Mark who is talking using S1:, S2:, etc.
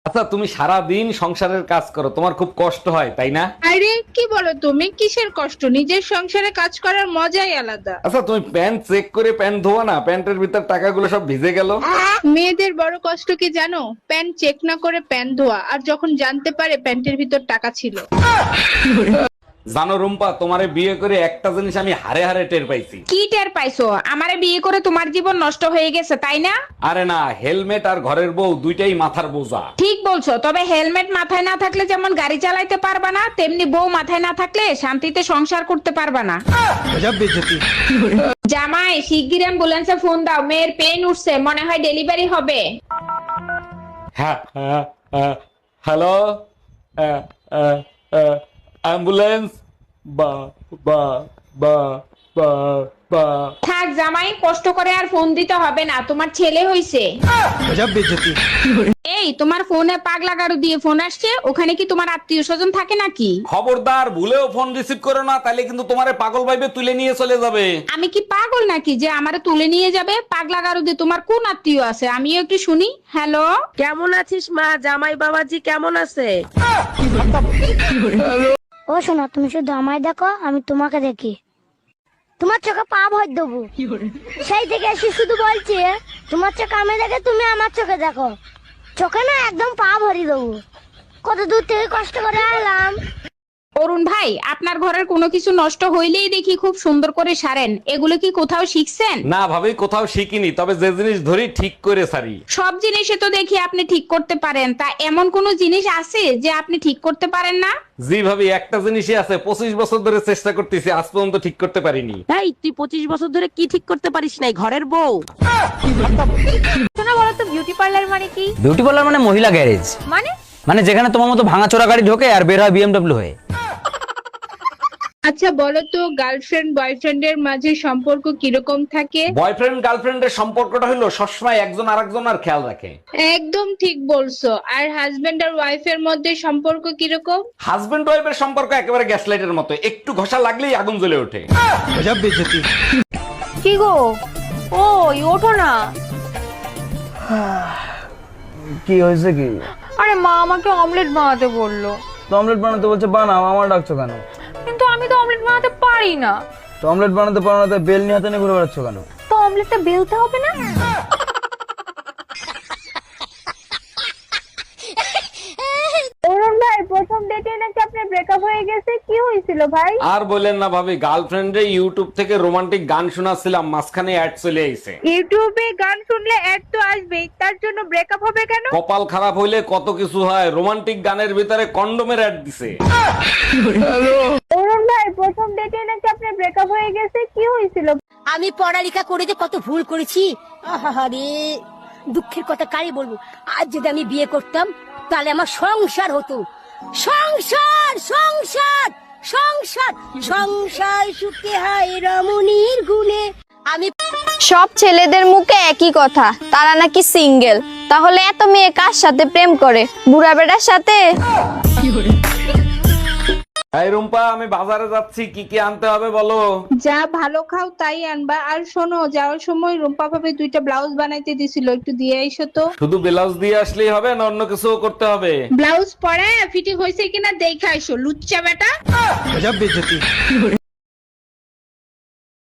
S1: আচ্ছা, তুমি সারা দিন সংসারের কাজ করো, তোমার খুব কষ্ট হয় তাই না?
S2: আরে কি বলো তুমি, কিসের কষ্ট? নিজের সংসারে কাজ করার মজাই আলাদা।
S1: আচ্ছা, তুমি প্যান্ট চেক করে প্যান্ট ধোয়া না, প্যান্টের ভিতর টাকাগুলো সব ভিজে গেল।
S2: মেয়েদের বড় কষ্ট কি জানো? প্যান্ট চেক না করে প্যান্ট ধোয়া, আর যখন জানতে পারে প্যান্টের ভিতর টাকা ছিল।
S1: জানো রুম্পা, তোমারে বিয়ে করে একটা জিনিস আমি হারে হারে টের পাইছি।
S3: কি টের পাইছো? আমারে বিয়ে করে তোমার জীবন নষ্ট হয়ে গেছে তাই না?
S1: আরে না, হেলমেট আর ঘরের বউ দুইটাই মাথার বোঝা।
S3: ঠিক বলছো, তবে হেলমেট মাথায় না থাকলে যেমন গাড়ি চালাইতে পারবা না, তেমনি বউ মাথায় না থাকলে শান্তিতে সংসার করতে পারবা না। জামাই, শিগগির অ্যাম্বুলেন্সে ফোন দাও, মেয়ের পেন উঠছে, মনে হয় ডেলিভারি হবে।
S1: হ্যাঁ, হ্যালো, অ্যাম্বুলেন্স। বা বা বা বা বা
S3: থাক জামাই, কষ্ট করে আর ফোন দিতে হবে না, তোমার ছেলে হইছে। এই, তোমার ফোনে পাগলা গাড়ু দিয়ে ফোন আসছে, ওখানে কি তোমার আত্মীয় স্বজন থাকে নাকি?
S1: খবরদার, ভুলেও ফোন রিসিভ করো না, তাহলে কিন্তু তোমারে পাগল ভাইবে তুলে নিয়ে চলে যাবে।
S3: আমি কি পাগল নাকি যে আমারে তুলে নিয়ে যাবে? পাগলা গারু দিয়ে তোমার কোন আত্মীয় আছে, আমিও একটু শুনি। হ্যালো,
S4: কেমন আছিস মা? জামাই বাবাজি কেমন আছে?
S5: ও শোনো, তুমি শুধু আমায় দেখো, আমি তোমাকে দেখি। তোমার চোখে পা ভর দেবো। সেই থেকে এসে শুধু বলছি, তোমার চোখে আমি দেখে তুমি আমার চোখে দেখো। চোখে না একদম পা ভরি দেবো। কত দূর থেকে কষ্ট করে এলাম।
S3: অরুণ ভাই, আপনার ঘরের কোনো কিছু নষ্ট হইলেই দেখি খুব সুন্দর করে সারেন, এগুলো কি কোথাও শিখছেন?
S1: না ভাবি, কোথাও শিখিনি, তবে যে জিনিস ধরি ঠিক করে সারি।
S3: সব জিনিসে তো দেখি আপনি ঠিক করতে পারেন, তা এমন কোন জিনিস আছে যে আপনি ঠিক করতে পারেন না?
S1: জি ভাবি, একটা জিনিসই আছে, 25 বছর ধরে চেষ্টা করতেছি, আজ পর্যন্ত ঠিক করতে পারিনি।
S4: এই, তুই 25 বছর ধরে কি ঠিক করতে পারিস নাই? ঘরের বউ।
S6: শোনা, বলো তো বিউটি পার্লার মানে কি?
S7: বিউটি পার্লার মানে মহিলা গ্যারেজ। মানে যেখানে তোমার মতো ভাঙাচোরা গাড়ি ঢোকে আর বের হয় বিএমডব্লিউ হয়ে।
S2: আচ্ছা বলো তো, গার্লফ্রেন্ড বয়ফ্রেন্ডের মাঝে সম্পর্ক কিরকম থাকে?
S1: বয়ফ্রেন্ড গার্লফ্রেন্ডের সম্পর্কটা হলো সবসময় একজন আরেকজনের খেয়াল রাখে।
S2: একদম ঠিক বলছো। আর হাজবেন্ড আর ওয়াইফের মধ্যে সম্পর্ক কিরকম?
S1: হাজবেন্ড ওয়াইফের সম্পর্ক একেবারে গ্যাস লাইটের মতো, একটু ঘষা লাগলেই আগুন জ্বলে ওঠে।
S6: কি গো, ওই ওঠো না।
S7: কি হয়েছে কি?
S6: আরে মা আমাকে অমলেট বানাতে বললো।
S7: তো অমলেট বানাতে বলছে, বানাও, আমার ডাকছো কেন?
S6: কিন্তু আমি তো অমলেট বানাতে পারি না।
S7: তো অমলেট বানাতে পারো না, তাই বেল নিয়ে হাতে নিয়ে ঘুরে বেড়াচ্ছ কেন?
S6: তো অমলেটটা বেলতে হবে না? অরুণ ভাই, প্রথম ডেটে নাকি আপনার ব্রেকআপ হয়ে গেছে, কি হয়েছিল ভাই?
S1: আর বলেন না ভাবি, গার্লফ্রেন্ডে ইউটিউব থেকে রোমান্টিক গান শোনাচ্ছিলাম, মাঝখানে অ্যাড চলে আইছে।
S2: ইউটিউবে গান শুনলে অ্যাড তো আসবেই, তার জন্য ব্রেকআপ হবে কেন?
S1: কপাল খারাপ হইলে কত কিছু হয়, রোমান্টিক গানের ভিতরে কন্ডোমের অ্যাড দিছে।
S6: অরুণ ভাই, প্রথম ডেটে নাকি আপনার ব্রেকআপ হয়ে গেছে, কি হয়েছিল?
S5: আমি পড়ালেখা করে যে কত ভুল করেছি, আহারে দুঃখের কথা কারে বলবো। আজ যদি আমি বিয়ে করতাম তাহলে আমার সংসার হতো। সংসার সংসার সংসার সংসার সুখে হয় রমণীর গুণে। আমি
S8: সব ছেলেদের মুখে একই কথা, তারা নাকি সিঙ্গেল। তাহলে এত মেয়ে কার সাথে প্রেম করে? বুড়া বেটার সাথে?
S1: এই রুম্পা, আমি বাজারে যাচ্ছি, কি কি আনতে হবে বলো?
S2: যা ভালো খাও তাই আনবা। আর শোনো, যাওয়ার সময় রুম্পা ভাবে 2টা ব্লাউজ বানাইতে দিছিল, একটু দিয়ে আইসো তো।
S1: শুধু ব্লাউজ দিয়ে আসলেই হবে না অন্য কিছু করতে হবে?
S2: ব্লাউজ পরে ফিটিং হয়েছে কিনা দেখে আইসো, লুচ্চা বেটা।